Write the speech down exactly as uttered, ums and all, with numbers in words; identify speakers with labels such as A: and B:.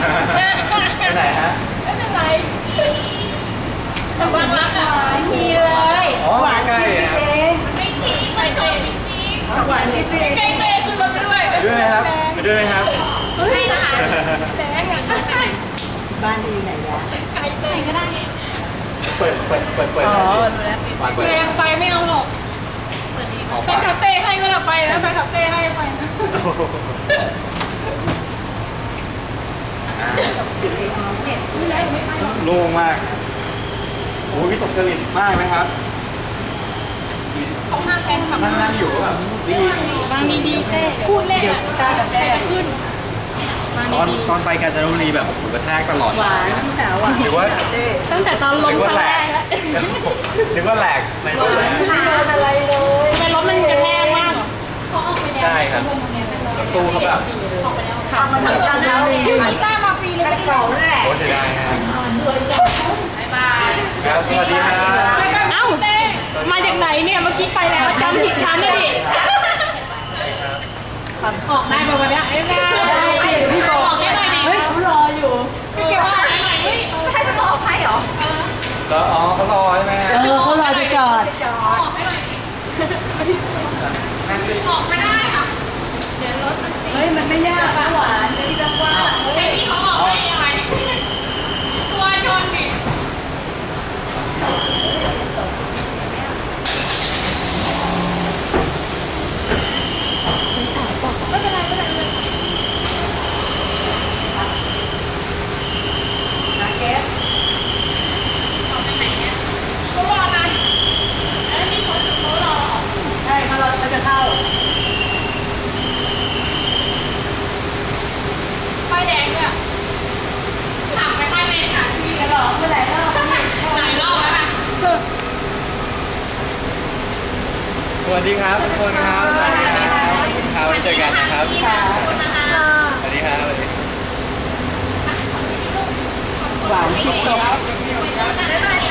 A: ไปไหนฮะ
B: ไม่เป็นไรทำบ้างรักอ่ะมีเลย
A: อ๋อใกล้ๆครับ
B: ไม่ทิ้งไม่จบจริงๆหวานที่เองใกล้เตะขึ้นรถไปด้วย
A: ไปด้วยไหมครับไปด้วยไหมครับ
B: ไม่ละแรงอ่ะบ้านอยู่ไหนยะไกลเตะก็ได้
A: เปิดเปิดเปิดเปิด
B: อ๋อ
A: เปิด
B: แรงไปไม่เอาหรอกไปคาเฟ่ให้ก็ละไปนะไปคาเฟ่ให้ไปนะนี่แหละไม่ไปหรอก
A: โล่งมากโอ้ยตกจริตมากไหมครับ
B: เขาห้ามแฟนขับ
A: นั่งนั่งอยู่แบบดี
B: บางดีดีเต้พูดเล่นอ่ะตากับแต้ขึ้น
A: ตอนตอนไปกาญจนบุรีแบบหูกระแทกตลอด
B: หวานพี่สาวหวาน
A: หรือว่า
B: ตั้งแต่ตอนลงครั้งแรกแล้ว
A: นึกว่าแหลกในรถนะ
B: ไม่โดนอะไรเลยทำไมรถมันกระแทกมากเขาออกไปแล้ว
A: ใช่ครับประตูเขาแบบ
B: ขับมาถึงชั้นแล้วยูกีต้ามาฟรีเลยเก่าแหละ
A: โอ้เสียดายครับ
B: บ๊ายบาย
A: ครับสวัสดีครับ
B: เอ้าเต้มาจากไหนเนี่ยเมื่อกี้ไปแล้วจำผิดชั้นเลยออกได้ป่ะวันนี้ได้พี่บอกออกได้หน่อยดิเฮ้ยเขารออยู่พี่เก็บออกได้หน่อยดิให้จะออกให้เหรอ
A: แล้วอ๋อเขารอใช่ไหม
B: เออเขารอจะจอดออกได้หน่อยออกไม่ได้ค่ะเฮ้ยมันไม่ยากนะหวานนี่จังว่าไอ้พี่เขาออกได้ยังไงตัวชนดิไม่เป็นไรไม่เป็นไรนาเกสออกไปไหนเนี่ยเขารอนะแล้วมีคนเขารอใช่เขารอเขาจะเข้าไฟแดงเนี่ยขับไปใต้เมนค่ะมีกระดองไปหลายรอบหลายรอบแล้วค่ะ
A: สวัสดีครับทุกคนครับสวัสดีครับครับไว้เจอกันนะครับ
B: ขอบคุณนะคะ
A: สวัสดีครับสวัสดี
B: หวานคิดตก
C: ไปเจอกันได้ไหม